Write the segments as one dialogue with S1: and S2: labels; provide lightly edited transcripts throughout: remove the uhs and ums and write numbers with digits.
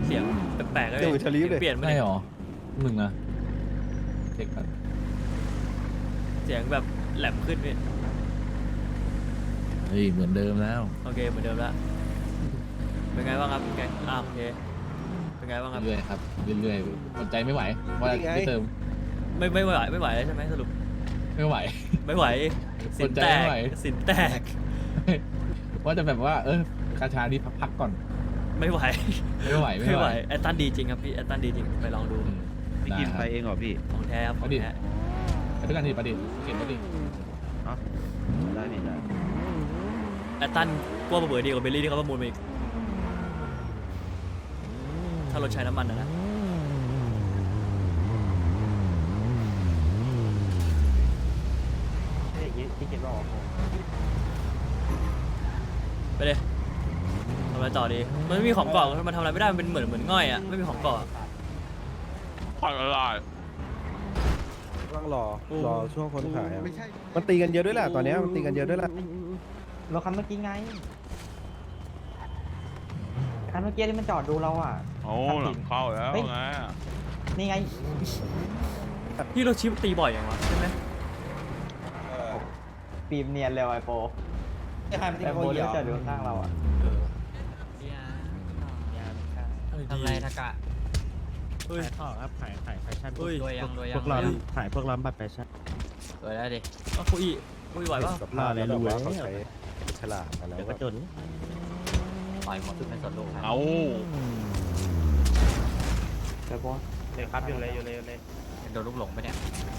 S1: เสียงแปลกๆเลย
S2: เดี๋ยวชาลีฟเลย
S1: เปลี่ยนไม่
S3: ไม่
S1: ได้
S3: หรอหนึ่งนะเช็คกัน
S1: เสียงแบบแหลมขึ้นพี่
S3: เฮ้ยเหมือนเดิมแล้ว
S1: โอเคเหมือนเดิมแล้วเป็นไงบ้างครับแกงโอเคเป็นไงบ้างครับ
S3: เรื่อยๆครับเรื่อยๆอดใจไม่ไหวว่า
S2: นี่ไง
S3: ไม่เติม
S1: ไม่ไหวแล้วใช่ไหมสรุป
S3: ไม่ไหว
S1: ไม่ไหวสินแต
S3: อดใจ
S1: ก
S3: ไม่ไหว
S1: สินแตก
S3: ว่าจะแบบว่ากาชานี้พักก่อน
S1: ไม่ไหว
S3: ไม่ไหว
S1: แอตตันดีจริงครับพี่แอตตันดีจริงไปลองดู
S4: พี่กินไปเองเหรอพี่
S1: ของแท้ครับของแท้
S3: ไปด้วยกันดิประดิษฐ์เก็บประดิษฐ์
S4: ได้พี่ได้
S1: แอตตันกลัวเบื่อดีกว่าเบลลี่ที่เขาประมูลมาอีกถ้ารถใช้น้ำมันนะ
S4: พี่กินบอก
S1: ไปเลยทำอะไรต่อดีมันไม่มีของเกาะมันทำอะไรไม่ได้มันเป็นเหมือนง่อยอ่ะไม่มีของเกาะ
S5: ผ่อนอะไร
S2: ต้องรอช่วงคนขายอะมันตีกันเยอะด้วยแหละตอนเนี้ยมันตีกันเยอะด้วยแหละ
S6: รถคันเมื่อกี้ไงคันเมื่อกี้ที่มันจอดดูเราอ่ะ
S5: โอ้หลังเข้าแล้ว
S6: เฮ้ย
S5: ไง
S6: นี่ไง
S1: พี่เราชิปตีบ่อยอย่างวะใช่ไหม
S6: ปีมเนียนเร็วไอโปไอโปที่มันจอดดูข้างเราอ่ะ
S1: ทำไรทากะเฮ้ย
S4: ขายท่อครับขายแฟชั่น
S1: เฮ้ย
S4: พวกร้านขายพวกร้านบัตรแฟชั่น
S1: เปิดได้ดิคุยไหวป่ะ
S2: สภาพแล้วแบบว่าเขาใช้ฉลาดมาแล้ว
S4: เดี๋ยวก็จน
S6: ต่อยหมดทุกในสวนลูกครับ
S5: เอา
S6: ไอโป
S4: เลยครับอยู่เลย
S6: โดนลูกหลงไปเนี่ย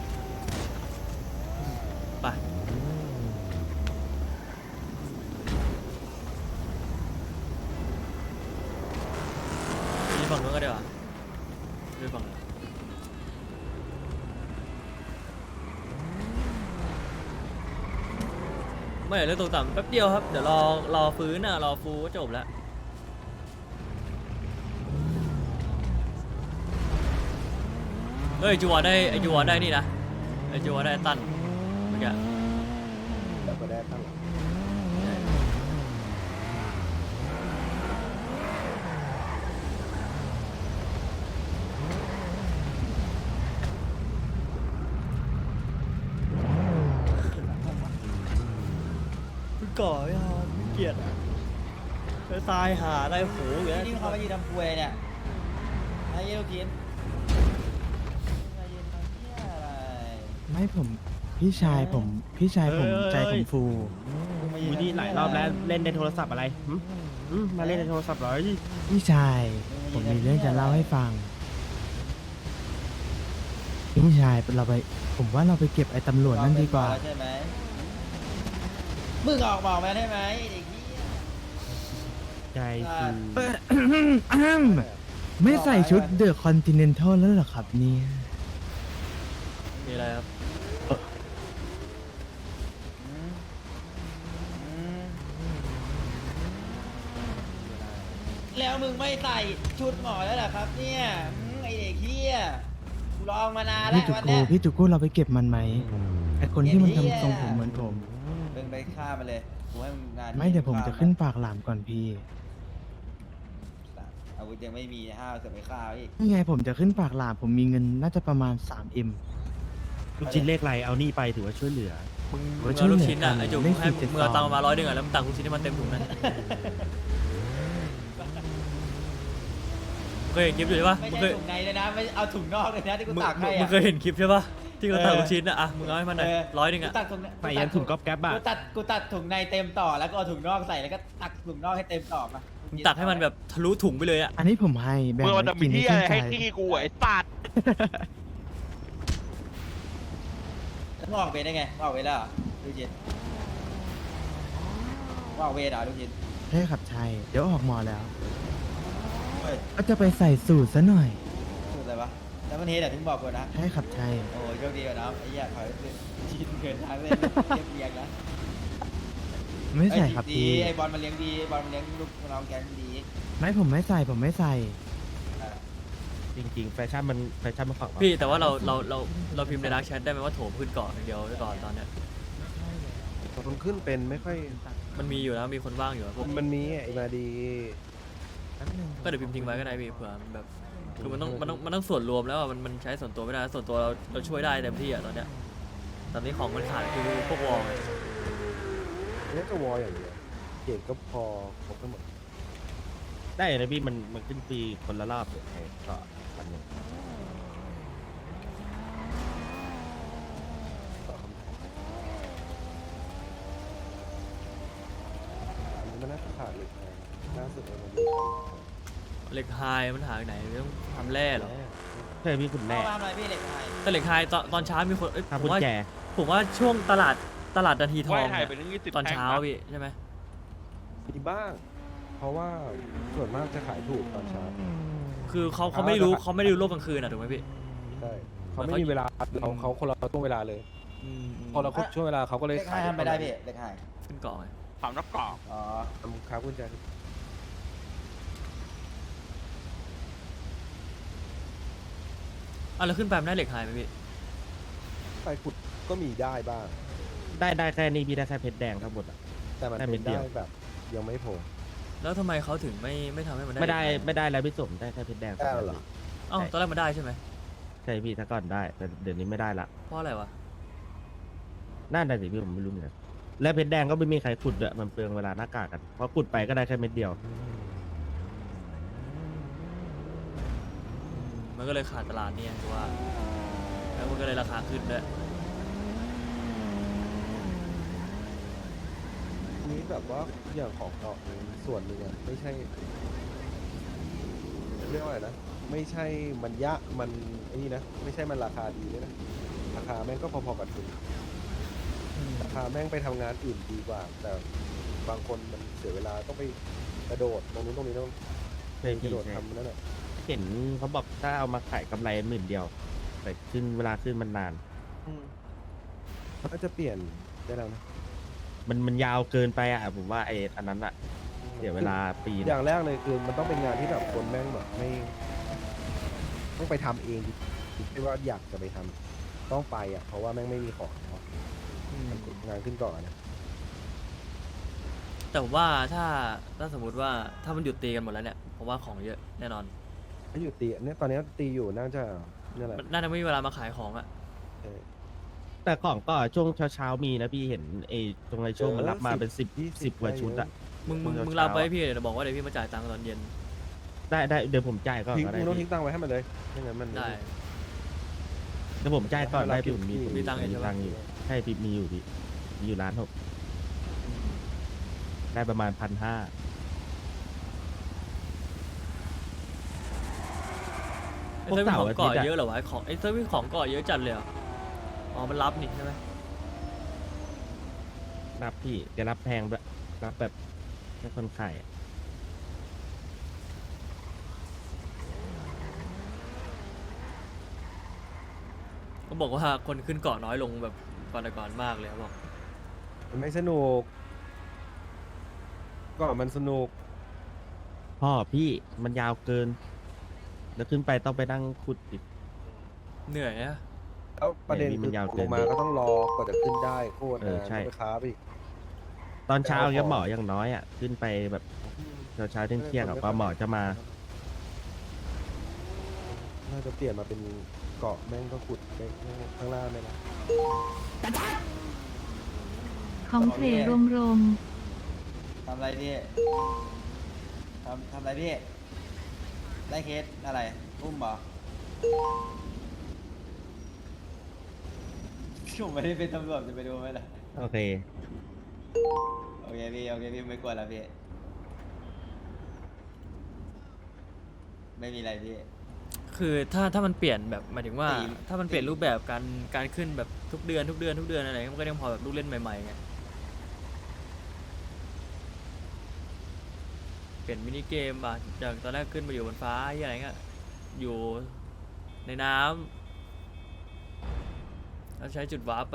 S1: ไปฝั่งนู้นก็ได้ว่ะดูฝั่งนู้นไม่เรื่องตกต่ำแป๊บเดียวครับเดี๋ยวรอฟื้นอ่ะรอฟูก็จบแล้วเฮ้ยจูวอได้ไอจูวอได้นี่นะไอจูวอได้ตันเมื่อกี้
S2: แบบก็ได้ตั้งหลัง
S1: ก่อไม่เอาไม่เกลียดไปตายหาได้โหเหลือ
S6: นี่เขามายืนทำควยเนี่ยไอ้เยลูกกินมายืนทำเหี้ยอะไร
S7: ไม่ผมพี่ชายผมใจผมฟู
S4: วินี่หลายรอบแล้วเล่นในโทรศัพท์อะไรมาเล่นในโทรศัพท์เหรอ
S7: พี่ชายผมมีเรื่องจะเล่าให้ฟังพี่ชายผมว่าเราไปเก็บไอ้ตำรวจนั่นดีกว่า
S6: ใช่ไหมมึงออกบอกมาได้ไหมเด็กเหี้ย
S4: ใจคือ
S7: ไม่ใส่ชุดเดอะคอนติเนนทัลแล้วเหรอครับเนี่ย
S1: มีอะไรครับ
S6: แล้วมึงไม่ใส่ชุดหมอแล้วเหรอครับเนี่ยไอเด็กเฮียกูลองมานานแล้ววันเนี้ย
S7: พี่จุกโก้เราไปเก็บมันไหมไอ้คนที่มันทำทรงผมเหมือนผม
S6: มึงไปฆ่ามันเลยกูให้มึงงาน
S7: ไม่เดี๋ยวผมจะขึ้นปากหลามก่อนพี่
S6: อาวุธยังไม่มีห้าวจะไปฆ่าอีก
S7: นี่ไงผมจะขึ้นปากหลามผมมีเงินน่าจะประมาณ 3M
S4: ลูกชิ้นเลขไรเอานี่ไปถือว่าช่วยเหลือ
S1: มึง
S7: โอ้ย
S1: เอาลูกชิ้นอ่ะ
S7: ช่วยเหลือกัน
S1: ไอจุก
S7: เลข
S1: ให้
S7: 472
S1: มึงเอาตังค์มา100อ่ะแล้วมึงตักลูกชิ้นให้มันเต็มถุงนั้นมึงเคยเห็นคลิปอยู่ใช่ปะ
S6: ไม่
S1: มึง
S6: ใช่
S1: เคย
S6: ถุงในเลยนะไม่เอาถุงนอกเลยนะที่กู
S1: มึง
S6: ตักให้
S1: มึ
S6: อะ
S1: งเคยเห็นคลิปใช่ปะที่เราตักลูกชิ้นอ่ะมึงเอาให้มันหน่อย100อ่ะ
S6: กูตักถุง
S4: ไปยันถุงก๊อบแก๊บอ่ะ
S6: กูตัดถุงในเต็มต่อแล้วก็เอาถุงนอกใส่แล้วก็ตักถุงนอกให้เต็มต่อมา
S1: มึงตักให้มันแบบทะลุถุงไปเลยอ่ะ
S7: อันนี้ผมให้แบ่ง
S5: เมื่อวัน
S7: ไว้
S5: จะมี
S7: กิน
S5: ที่
S7: ให้
S5: อะไร
S7: ชื่น
S5: ให้
S7: ใจ
S5: ที่กูไอ้สัตว์
S6: มึงออกเวรได้ไงมึงออกเวรแล้วเหรอดูจินมึงออกเวรเหรอดูจิน
S7: ใช่ครับใช่เดี๋ยวออกหมอแล้ว
S6: เฮ้ย
S7: ก็จะไปใส่สูตรซะหน่อย
S6: พูดอะไรวะแล้วมันเฮดอะถึงบอกกูนะ
S7: ใช่ครับใช่
S6: โอ้ยโชคดีกว่าน้องไอ้เหี้ยถอยชินเกินทางเลยเรียบเรียงนะ
S7: ไม่ใส่ครับ
S6: ดี
S7: พี่
S6: ไอ้บอลมันเลี้ยงดีบอลมันเลี้ยงลูกน้องแกงดี
S7: ไม่ผมไม่ใส่ผมไม่ใส่
S4: จริงๆแฟชั่นมันฝั่ง
S1: พี่แต่ว่าเราพิมพ์ในดักแชทได้ไหมว่าโถมขึ้นเกาะอย่างเดียวไว้ก่อนตอนเนี้ย
S2: มันขึ้นเป็นไม่ค่อย
S1: มันมีอยู่แล้วมีคนว่างอยู่อะพวก
S2: มันมีไอ้มาดี
S1: ก็เดี๋ยวพิมพ์ทิ้งไว้ก็ได้พี่เผื่อมันแบบคือมันต้องส่วนรวมแล้วอะมันใช้ส่วนตัวไม่ได้ส่วนตัวเราช่วยได้เต็มที่อะตอนเนี้ยตอนนี้ของมันขาดคือพวกวอลไง
S2: นี่ก็วอลอย่างเดียวเก่งก็พอครบทั้งหมด
S4: ได้นะพี่มันขึ้นฟรีคนละรอบเลยก็วันหนึง
S2: อันนี้มันน่าจะขาดเหล็กนะล่าสุดเลยมันดู
S1: เหล็กไฮมันหาจากไหนต้องทำแร่เหรอ
S4: ใช่พี่คุณ
S6: แม่
S4: แม่
S6: ทำอะไรพี่เหล็กไทย
S1: แต่เหล็กไฮตอนเช้ามีคน
S4: ทำกุ
S1: ผม
S4: ญ
S1: ว่า
S4: แจ
S1: ผมว่าช่วงตลาดนาทีท
S5: ไห
S1: อ
S5: ว้
S1: ง
S5: ไทย
S1: เนี่ย
S5: ไปถึง20
S1: ตอนเช้า
S5: แท่งะ
S1: พี่ใช่ไหม
S2: มีบ้าง เพราะว่าส่วนมากจะขายถูกตอนเช้า
S1: คือเขาไม่รู้โลกกลางคืนอะถูกไหมพี่
S2: ใช่เขาไม่มีเวลาเขาคนละช่วงเวลาเลยพอเราครบช่วงเวลาเขาก็เลย
S6: เหล็กไทยทำไม่ได้พี่เหล็กไทย
S1: ขึ้นเกาะไง
S5: ถามนักกรอบ
S6: อ๋อ
S2: ทำค้ากุญแจ
S1: แล้วขึ้นไปมันได้เหล็กไฮไหมพี่
S2: ไปขุดก็มีได้บ้าง
S4: ได้แค่นี้พี่ได้แค่เพชรแดงทั้งหมดอะ
S2: แต่มัน
S4: ได้
S2: เป็
S4: เม็
S2: น
S4: ดเดี
S2: ได้
S4: ยว
S2: แบบยังไม่พอ
S1: แล้วทำไมเขาถึงไม่ทำให้มันได้
S4: ไม่ได้
S1: เหล็กฮ
S4: ไม่ได้แล้วพี่สมได้แค่เพชรแดง
S2: ได้เหรอ
S1: เอ้าตอนแรกมันได้ใช่ไหม
S4: ใช่พี่ถ้าก่อนได้แต่เดี๋ยวนี้ไม่ได้ละ
S1: เพราะอะไรวะ
S4: น่าได้สิพี่ผมไม่รู้เหมือนกันและเพชรแดงก็ไม่มีใครขุดด้วยมันเปลืองเวลาหน้ากากกันเพราะขุดไปก็ได้แค่เม็ดเดียว
S1: มันก็เลยขาดตลาดเนี่ยคือว่าแล้วมันก็เลยราคาขึ้นด้วย
S2: นี้แบบว่าอย่างของเกาะส่วนหนึ่งอะไม่ใช่เรียกว่าอะไรนะไม่ใช่มันยะมันไอ้นี่นะไม่ใช่มันราคาดีเลยนะราคาแม่งก็พอๆกับทุนราคาแม่งไปทำงานอื่นดีกว่า แต่บางคนมันเสียเวลาต้องไปกระโดดตรงนู้นตรงนี้ต้อง
S4: ใช่
S2: ก
S4: พี่
S2: ระโดด
S4: ใช่
S2: ทำนั่นแหละ
S4: เห็นเขาบอกถ้าเอามาขายกำไร10,000แต่ขึ้นเวลาขึ้นมันนาน
S2: ก็จะเปลี่ยนได้แล้วนะ
S4: มันยาวเกินไปอ่ะผมว่าไอ้อันนั้นอ่ะเสียเวลาปีนึ
S2: อง ย่างแรกเลยคือมันต้องเป็นงานที่แบบคนแม่งแบบไม่ต้องไปทำเองไม่ว่าอยากจะไปทำต้องไปอ่ะเพราะว่าแม่งไม่มีของเนาะงานขึ้นเกาะนะ
S1: แต่ผมว่าถ้าสมมติว่าถ้ามันหยุดตีกันหมดแล้วเนี่ยผมว่าของเยอะแน่นอน
S2: ถ้าอยู่ตีเนี่ยตอนนี้ตีอยู่น่าจะนี่แหละ
S1: มันน่าจะไม่มีเวลามาขายของอะ
S2: เออ
S4: แต่ของก็ช่วงเช้าๆมีนะพี่เห็นไอ้ตรงไอ้ช่วงมันรับมาเป็น10 กว่าชุดอ่ะ
S1: มึง
S4: เช้า
S1: รับไว้ให้พี่เดี๋ยวบอกว่าเดี๋ยวพี่มาจ่ายตังค์ตอนเย็น
S4: ได้เดี๋ยวผมจ่ายก่อน
S2: ทิ้ง
S4: ก็ได้
S2: มึงต้อง
S4: พี่
S2: ทิ้งตังค์ไว้ให้มันเลยไม่งั้นมัน
S1: ได้
S4: เดี๋ยวผมจ่ายก่อนได้พี่ผมมี
S1: มีตังค์อยู่ใช่ปะ
S4: ตังค์อยู่ใช่พี่มีอยู่พี่มีอยู่1,600,000ได้ประมาณ1,500
S1: ไอ้เซิร์ฟมีของเกาะเยอะเหรอวะของไอ้เซิร์ฟมีของเกาะเยอะจัดเลยเหรออ๋อมันรับนี่ใช่ไหม
S4: รับพี่จะรับแพงด้วยรับแบบแค่คนขายอะ
S1: ก็บอกว่าคนขึ้นเกาะน้อยลงแบบก่อนแต่ก่อนมากเลยเขาบอก
S2: มันไม่สนุกก็มันสนุก
S4: พ่อพี่มันยาวเกิน แล้วขึ้นไปต้องไปนั่งขุดอีก
S1: เหนื่อยอะ
S2: แล้วประเด็น
S4: เนี่ยนี่มั
S2: คือน
S4: ยาวเกิ
S2: ล
S4: น
S2: งมาก็ต้องรอกว่าจะขึ้นได้โคตร
S4: เออ
S2: นะ
S4: ใช่
S2: ต้องไปค้าไปอีก
S4: ตอนเช้า
S2: แต่เอา
S4: เนี่ย
S2: ของ
S4: หมออย่างน้อยอ่ะขึ้นไปแบบเช้าเที่ยงๆอ่ะกว่าหมอจะมา
S2: น่าจะเปลี่ยนมาเป็นเกาะแม่งก็ขุดไปข้างล่างเลยนะ
S8: ของเทรรวม
S6: ทำอะไรพี่ทำอะไรพี่ได้เคสอะไรอุ้มเหรอผมไม่ได้เป็นตำรวจจะไปดูไหมล่ะ
S4: โอเค
S6: โอเคพี่ไม่กลัวแล้วพี่ไม่มีอะไรพี่
S1: คือถ้ามันเปลี่ยนแบบหมายถึงว่า
S6: ตี
S1: ถ้ามันเปลี่ยนรูปแบบการขึ้นแบบทุกเดือนอะไรมันก็ยังพอแบบลูกเล่นใหม่ๆไงเปลี่ยนมินิเกมอ่ะจากตอนแรกขึ้นมาอยู่บนฟ้าที่อะไรเงี้ยอยู่ในน้ำแล้วใช้จุดวาร์ปไป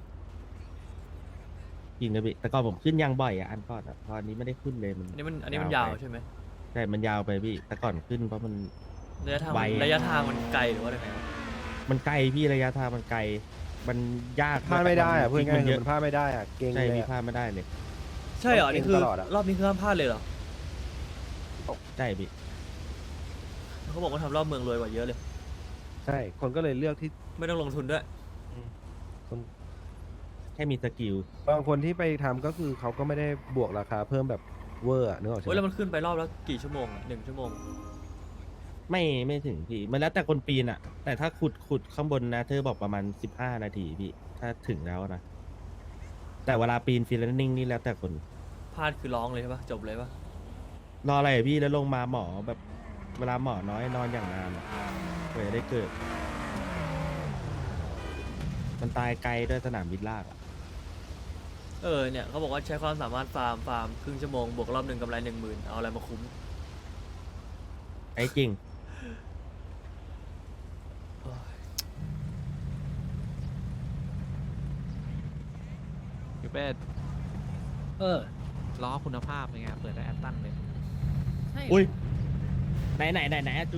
S4: จริงนะพี่แต่ก่อนผมขึ้นยางบ่อยอ่ะอันก่อนอ่ะพออันนี้ไม่ได้ขึ้นเลยมัน
S1: อันนี้มันยาว
S4: ไป
S1: ใช่ไหม
S4: ใช่มันยาวไปพี่แต่ก่อนขึ้นเพราะมัน
S1: ระยะทาง
S4: ไว
S1: ระยะทางมันไกลหรือว่าอะไรไงวะ
S4: มันไกลพี่ระยะทางมันไกลมันยาก
S2: พลาดไม่ได้อะพูดง่ายๆ
S4: เย
S2: คือ
S4: อะ
S2: มันพลาดไม่ได้อะเก่ง
S4: ใช่
S2: เลย
S4: พี่
S2: อะ
S4: พลาดไม่ได้เลย
S1: ใช่เหรอ
S2: ต้องเก่ง
S1: นี่คือ
S2: ตลอดอะ
S1: รอบนี้คือห้ามพลาดเลยเหรอ
S4: ใช่พี่
S1: เขาบอกว่าทำรอบเมืองรวยกว่าเยอะเลย
S2: ใช่ คนก็เลยเลือกที่
S1: ไม่ต้องลงทุนด้วย
S2: คน
S4: แค่มีสกิล
S2: บางคนที่ไปทำก็คือเขาก็ไม่ได้บวกราคาเพิ่มแบบเวอร์อะนึกออกใช่
S1: โอ้ยแล้ว
S2: ไหม
S1: มันขึ้นไปรอบแล้วกี่ชั่วโมงอ่ะ1 ชั่วโมง
S4: ไม่ถึงพี่ มันแล้วแต่คนปีนอะแต่ถ้าขุดข้างบนนะเธอบอกประมาณ15 นาทีพี่ ถ้าถึงแล้วนะ แต่เวลาปีนฟรีแลนนิ่งนี่แล้วแต่คน
S1: พลาดคือร้องเลยใช่ปะจบเลยปะ
S4: รออะไรอะพี่แล้วลงมาหมอแบบเวลาหมอน้อยนอนอย่างนานอะกว่าจะได้เกิด มันตายไกลด้วยสนามบินลากอะ
S1: เนี่ยเขาบอกว่าใช้ความสามารถฟาร์มครึ่งชั่วโมงบวกรอบหนึ่งกำไร10,000เอาอะไรมาคุ้ม
S4: ไอ้จริง
S3: พี่เป็ดล้อคุณภาพเป็นไงเปิดได้แอตตันเลย
S4: อุ้ยไหนจู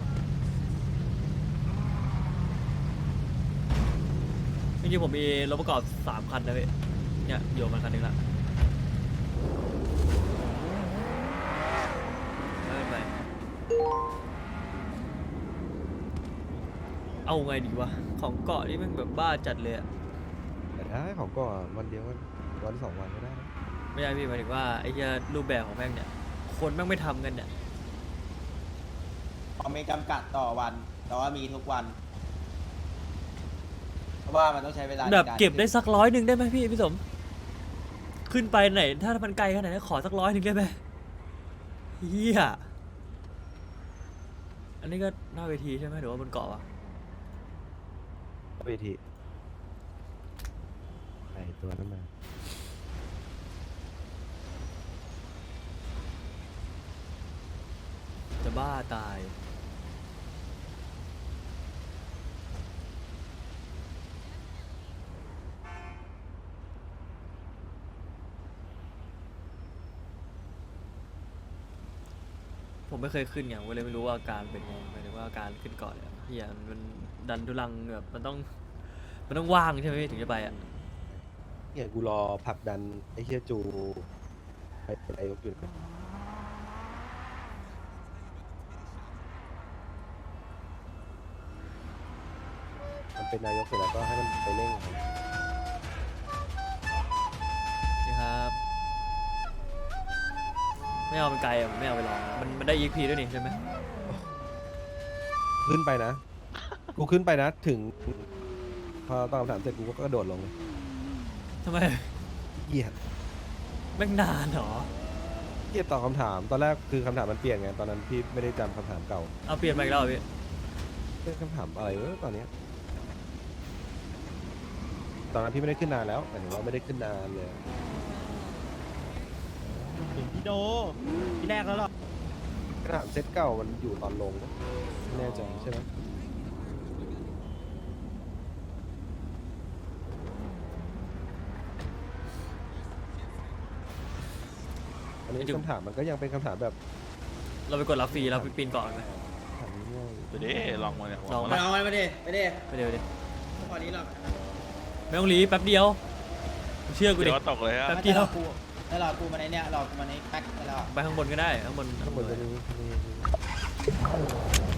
S1: จริงๆผมมีรถประกอบ3 คันนะพี่เนี่ยโยนมาคันหนึงละไม่เป็นไรเอาไงดีวะของเกาะนี่มันแบบบ้าจัดเลยอะ
S2: แต่ถ้าของก่อนวันเดียวก็วัน2 วันก็ได้นะ
S1: ไม่ใช่พี่หมายถึงว่าไอ้เหี้ยรูปแบบของแม่งเนี่ยคนแม่งไม่ทำกันเนี่ย
S6: เขาไม่จำกัดต่อวัน แต่ว่ามีทุกวัน เพราะว่ามันต้องใช้เวลา
S1: แบบ
S6: ในาร
S1: เก็บได้สัก100ได้ไหมพี่สมขึ้นไปไหนถ้ามันไกลขนาดนั้นขอสัก100ได้ไหมเฮียอันนี้ก็หน้าเวทีใช่ไหมหรือว่าบนเกาะวะ
S2: เวทีไอตัวนั้นมา
S1: จะบ้าตายผมไม่เคยขึ้นไงผมก็เลยไม่รู้ว่าอาการเป็นไงหมายถึงว่าอาการขึ้นเกาะเนี่ยเฮียมันดันทุลังแบบมันต้องว่างใช่ไหมพี่ถึงจะไปอ่ะ
S2: เนี่ยกูรอผลักดันไอ้เฮียจูไปเป็นนายกอยู่นะมันเป็นนายกเสร็จแล้วก็ให้มันไปเร่งครับ
S1: นี่ครับ ไม่เอามันไกลอ่ะผมไม่เอาไปลองมันได้ EXP ด้วยนี่ใช่ไหม
S2: ขึ้นไปนะ กูขึ้นไปนะถึง พอตอบคำถามเสร็จกูก็กระโดดลงเลย
S1: ทำไม
S2: เหี้ย
S1: แม่งนานเหรอ
S2: เหี้ยตอบคำถามตอนแรกคือคำถามมันเปลี่ยนไงตอนนั้นพี่ไม่ได้จำคำถามเก่า
S1: เอาเปลี่ยนมาอีกแล้วเหรอพี่
S2: เป็นคำถามอะไรวะตอนเนี้ยตอนนั้นพี่ไม่ได้ขึ้นนานแล้วหมายถึงว่าไม่ได้ขึ้นนานเลย
S4: ถึงพี่โดพี่แรกแล้วหรอ
S2: คำถามเซตเก่ามันอยู่ตอนลงนะไม่แน่ใจใช่ไหมอันนี้คำถามมันก็ยังเป็นคำถามแบบ
S1: เราไปกดรับฟรีเราไปปีนเกาะกันไหม
S2: ถามง่าย
S5: ไปดิลองมาเนี่ย
S1: ลอง
S6: มาเอามันไปดิไปดิ
S1: ไปเดี๋ยวดิ
S6: พอนี้หรอก
S1: ไม่ต้องรีบแป๊บเดียวเชื่อกูดิ
S5: เดี๋ยวก็ตกเลยฮะ
S1: แป๊บเดียว
S6: แล้วรอกูมาในเนี้ยรอกูมาในแพ็คแล้ว
S1: ไปข้างบนก็ได้ข้างบน
S2: ๆข้างบนจะมี